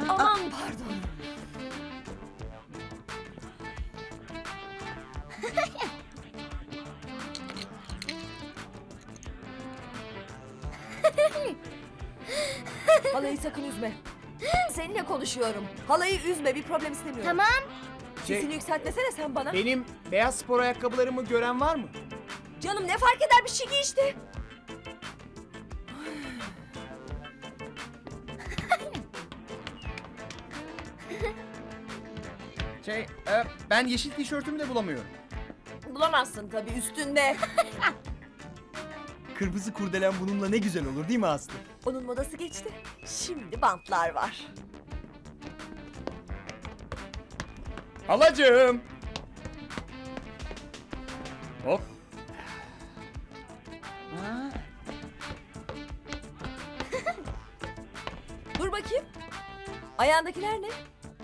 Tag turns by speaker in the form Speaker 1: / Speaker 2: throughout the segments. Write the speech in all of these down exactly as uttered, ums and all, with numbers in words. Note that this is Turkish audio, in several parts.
Speaker 1: Aman pardon. Halayı sakın üzme. Seninle konuşuyorum. Halayı üzme, bir problem istemiyorum.
Speaker 2: Tamam.
Speaker 3: Şey,
Speaker 1: Sesini yükseltmesene sen bana.
Speaker 3: benim beyaz spor ayakkabılarımı gören var mı?
Speaker 1: Canım ne fark eder, bir şey giy işte.
Speaker 3: Şey, e, ben yeşil tişörtümü de bulamıyorum.
Speaker 1: Bulamazsın tabii, üstünde.
Speaker 3: Kırmızı kurdelen bununla ne güzel olur değil mi Aslı?
Speaker 1: Onun modası geçti. Şimdi bantlar var.
Speaker 3: Halacığım. Hop.
Speaker 1: Dur bakayım. Ayağındakiler ne?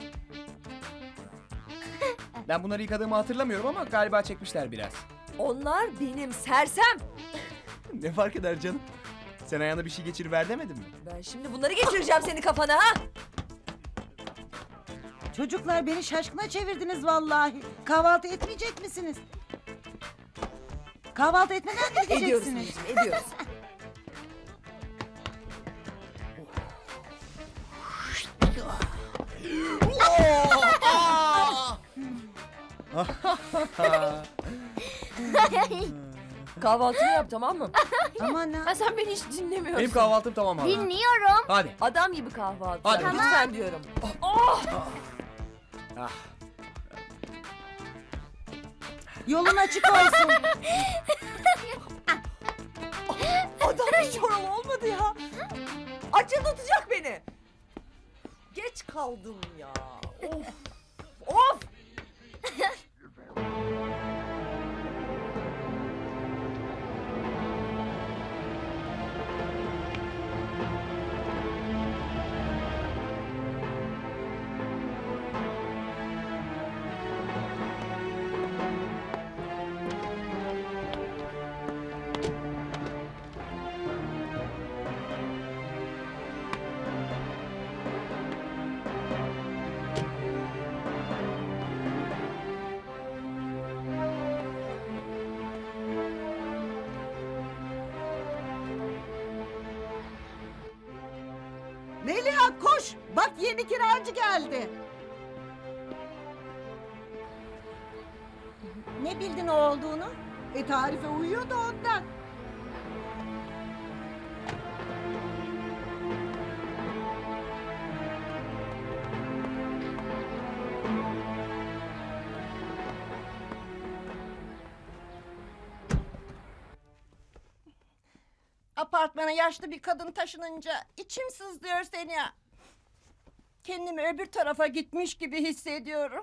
Speaker 3: Ben bunları yıkadığımı hatırlamıyorum ama galiba çekmişler biraz.
Speaker 1: Onlar benim sersem.
Speaker 3: Ne fark eder canım? Sen ayağına bir şey geçiriver demedin mi?
Speaker 1: Ben şimdi bunları geçireceğim senin kafana ha.
Speaker 4: Çocuklar beni şaşkına çevirdiniz vallahi. Kahvaltı etmeyecek misiniz? Kahvaltı etmeden mi
Speaker 1: Ediyoruz
Speaker 4: gideceksiniz?
Speaker 1: anneciğim, ediyoruz. Kahvaltını yap, tamam mı?
Speaker 4: Aman ha.
Speaker 1: Ha, sen beni hiç dinlemiyorsun.
Speaker 3: Benim kahvaltım tamam hala.
Speaker 2: Dinliyorum.
Speaker 3: Hadi.
Speaker 1: Adam gibi kahvaltı.
Speaker 3: Hadi.
Speaker 1: yap, lütfen diyorum. Oh!
Speaker 3: Ah.
Speaker 4: Yolun açık olsun.
Speaker 1: Adam hiç oralı olmadı ya. Açıl tutacak beni. Geç kaldım ya. Of. Of.
Speaker 4: Meliha koş. Bak yeni kiracı geldi.
Speaker 2: Ne bildin o olduğunu?
Speaker 4: E tarife uyuyor da ondan.
Speaker 5: Apartmana yaşlı bir kadın taşınınca içim sızlıyor seni ya. Kendimi öbür tarafa gitmiş gibi hissediyorum.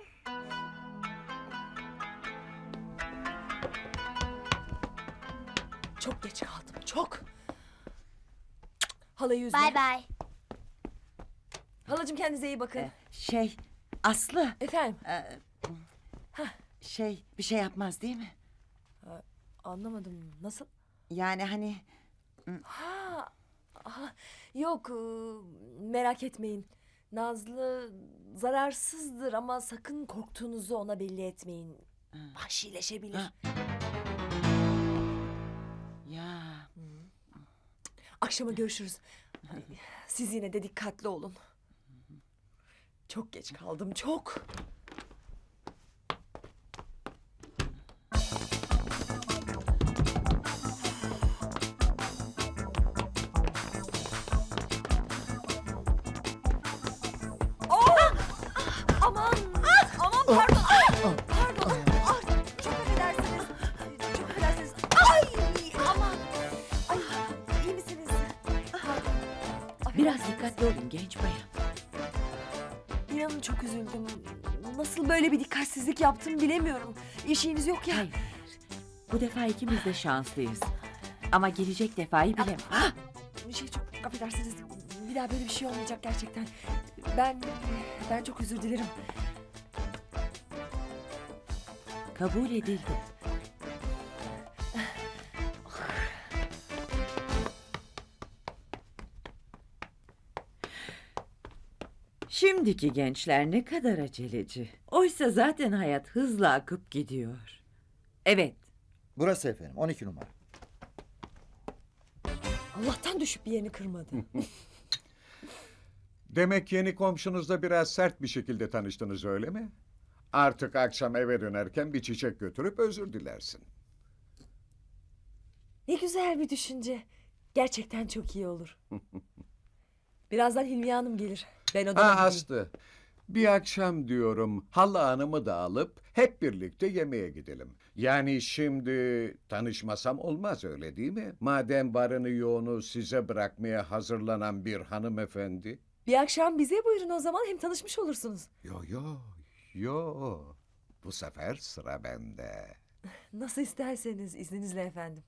Speaker 1: Çok geç kaldım, çok. Halayı üzme.
Speaker 2: Bay bay.
Speaker 1: Halacığım, kendinize iyi bakın.
Speaker 4: Şey Aslı.
Speaker 1: Efendim,
Speaker 4: e, şey bir şey yapmaz değil mi?
Speaker 1: anlamadım. Nasıl?
Speaker 4: Yani hani
Speaker 1: Ha, aha, yok, e, merak etmeyin. Nazlı zararsızdır ama sakın korktuğunuzu ona belli etmeyin. Vahşileşebilir.
Speaker 4: Ha. ya
Speaker 1: Akşama görüşürüz. Siz yine de dikkatli olun. Çok geç kaldım, çok. Oh! Aman! Aman pardon! Pardon! Ah, çok affedersiniz. Çok affedersiniz. Ay! Aman! Ay, iyi misiniz? Pardon.
Speaker 6: Biraz dikkatli olun genç bayan.
Speaker 1: İnanın çok üzüldüm. Nasıl böyle bir dikkatsizlik yaptım bilemiyorum. İşiniz yok ya.
Speaker 6: Hayır. Bu defa ikimiz de şanslıyız. Ama gelecek defayı bilemem. Ah!
Speaker 1: Bir şey, çok affedersiniz. Bir daha böyle bir şey olmayacak gerçekten. Ben ben çok özür dilerim.
Speaker 6: Kabul edildi. Şimdiki gençler ne kadar aceleci. Oysa zaten hayat hızla akıp gidiyor. Evet,
Speaker 2: Burası efendim on iki numara.
Speaker 1: Allah'tan düşüp bir yerini kırmadı.
Speaker 7: Demek yeni komşunuzla biraz sert bir şekilde tanıştınız öyle mi? Artık akşam eve dönerken bir çiçek götürüp özür dilersin.
Speaker 1: Ne güzel bir düşünce. Gerçekten çok iyi olur. Birazdan Hilmiye Hanım gelir. Ben odama
Speaker 7: Ha
Speaker 1: gideyim.
Speaker 7: Aslı, bir akşam diyorum Hala Hanım'ı da alıp hep birlikte yemeğe gidelim. Yani şimdi tanışmasam olmaz öyle değil mi? Madem varını yoğunu size bırakmaya hazırlanan bir hanımefendi.
Speaker 1: Bir akşam bize buyurun o zaman, hem tanışmış olursunuz.
Speaker 7: Yo yo yo, bu sefer sıra bende.
Speaker 1: Nasıl isterseniz, izninizle efendim.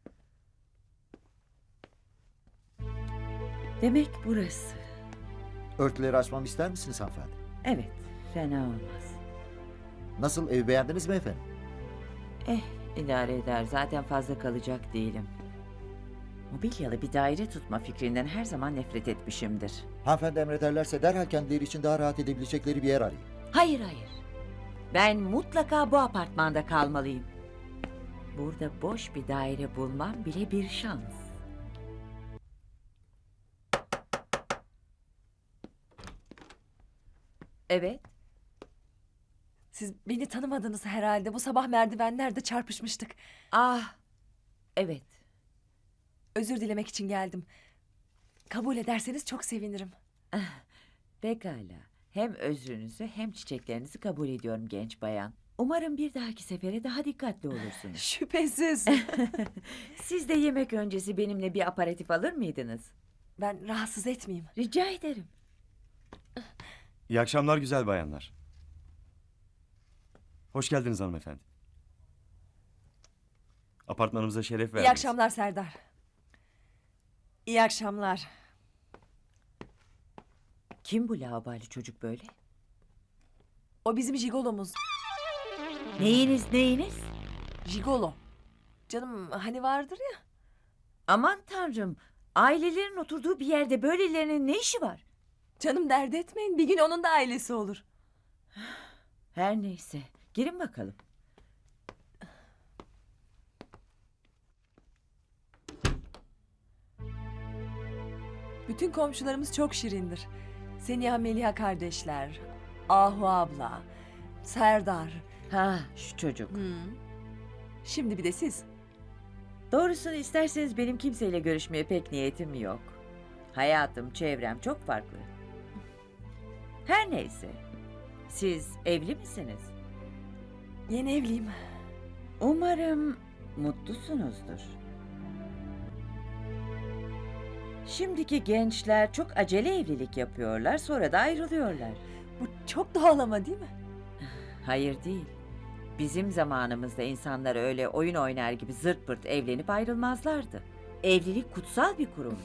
Speaker 6: demek burası.
Speaker 2: Örtüleri açmamı ister misiniz hanımefendi?
Speaker 6: Evet, fena olmaz.
Speaker 2: Nasıl, evi beğendiniz mi efendim?
Speaker 6: Eh, idare eder. Zaten fazla kalacak değilim. Mobilyalı bir daire tutma fikrinden her zaman nefret etmişimdir.
Speaker 2: Hanımefendi emrederlerse derhal kendileri için daha rahat edebilecekleri bir yer arayın.
Speaker 6: Hayır hayır. Ben mutlaka bu apartmanda kalmalıyım. Burada boş bir daire bulmam bile bir şans. Evet.
Speaker 1: Siz beni tanımadınız herhalde. Bu sabah merdivenlerde çarpışmıştık.
Speaker 6: Ah, evet.
Speaker 1: Özür dilemek için geldim. Kabul ederseniz çok sevinirim.
Speaker 6: Pekala. Hem özrünüzü hem çiçeklerinizi kabul ediyorum genç bayan. Umarım bir dahaki sefere daha dikkatli olursunuz.
Speaker 1: Şüphesiz.
Speaker 6: Siz de yemek öncesi benimle bir aparatif alır mıydınız?
Speaker 1: Ben rahatsız etmeyeyim.
Speaker 6: Rica ederim.
Speaker 8: İyi akşamlar güzel bayanlar. Hoş geldiniz hanımefendi. Apartmanımıza şeref verdiniz.
Speaker 1: İyi akşamlar Serdar. İyi akşamlar.
Speaker 6: Kim bu laubali çocuk böyle?
Speaker 1: O bizim jigolomuz.
Speaker 6: Neyiniz neyiniz?
Speaker 1: Jigolo. Canım hani vardır ya.
Speaker 6: Aman tanrım. Ailelerin oturduğu bir yerde böylelerinin ne işi var?
Speaker 1: Canım dert etmeyin. Bir gün onun da ailesi olur.
Speaker 6: Her neyse. Girin bakalım.
Speaker 1: Bütün komşularımız çok şirindir. Seniha Meliha kardeşler, Ahu abla, Serdar.
Speaker 6: Ha, şu çocuk.
Speaker 1: Hı. Şimdi bir de siz.
Speaker 6: Doğrusunu isterseniz benim kimseyle görüşmeye pek niyetim yok. Hayatım, çevrem çok farklı. Her neyse. Siz evli misiniz?
Speaker 1: Yeni evliyim.
Speaker 6: Umarım mutlusunuzdur. Şimdiki gençler çok acele evlilik yapıyorlar, sonra da ayrılıyorlar.
Speaker 1: Bu çok doğal ama değil mi?
Speaker 6: Hayır değil. Bizim zamanımızda insanlar öyle oyun oynar gibi zırt pırt evlenip ayrılmazlardı. Evlilik kutsal bir kurumdu.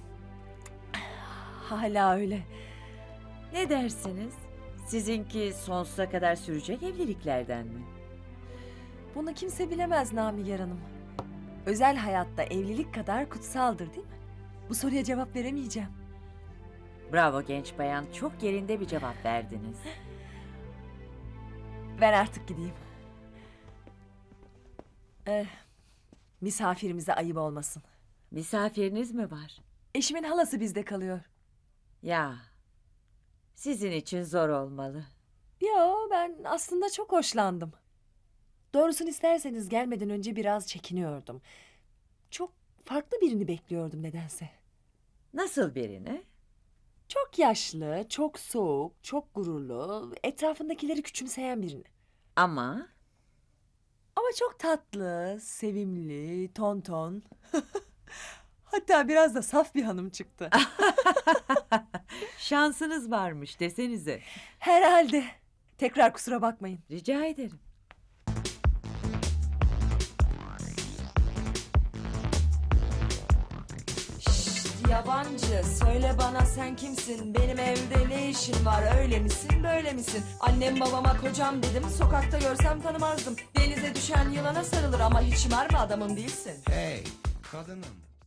Speaker 1: Hala öyle.
Speaker 6: Ne dersiniz? Sizinki sonsuza kadar sürecek evliliklerden mi?
Speaker 1: Bunu kimse bilemez Namiger Hanım. Özel hayatta evlilik kadar kutsaldır değil mi? Bu soruya cevap veremeyeceğim.
Speaker 6: Bravo genç bayan, çok yerinde bir cevap verdiniz.
Speaker 1: Ben artık gideyim. Eh, misafirimize ayıp olmasın.
Speaker 6: Misafiriniz mi var?
Speaker 1: Eşimin halası bizde kalıyor.
Speaker 6: Ya, sizin için zor olmalı.
Speaker 1: Yo, ben aslında çok hoşlandım. Doğrusunu isterseniz gelmeden önce biraz çekiniyordum. Çok farklı birini bekliyordum nedense.
Speaker 6: Nasıl birini?
Speaker 1: Çok yaşlı, çok soğuk, çok gururlu, etrafındakileri küçümseyen birini.
Speaker 6: Ama
Speaker 1: Ama çok tatlı, sevimli, tonton. Hatta biraz da saf bir hanım çıktı.
Speaker 6: şansınız varmış desenize.
Speaker 1: Herhalde. Tekrar kusura bakmayın.
Speaker 6: Rica ederim.
Speaker 1: Yabancı, söyle bana sen kimsin? Benim evde ne işin var? Öyle misin, böyle misin? Annem babama kocam dedim, sokakta görsem tanımazdım. Denize düşen yılana sarılır ama hiç mermi adamım değilsin.
Speaker 3: Hey kadınım.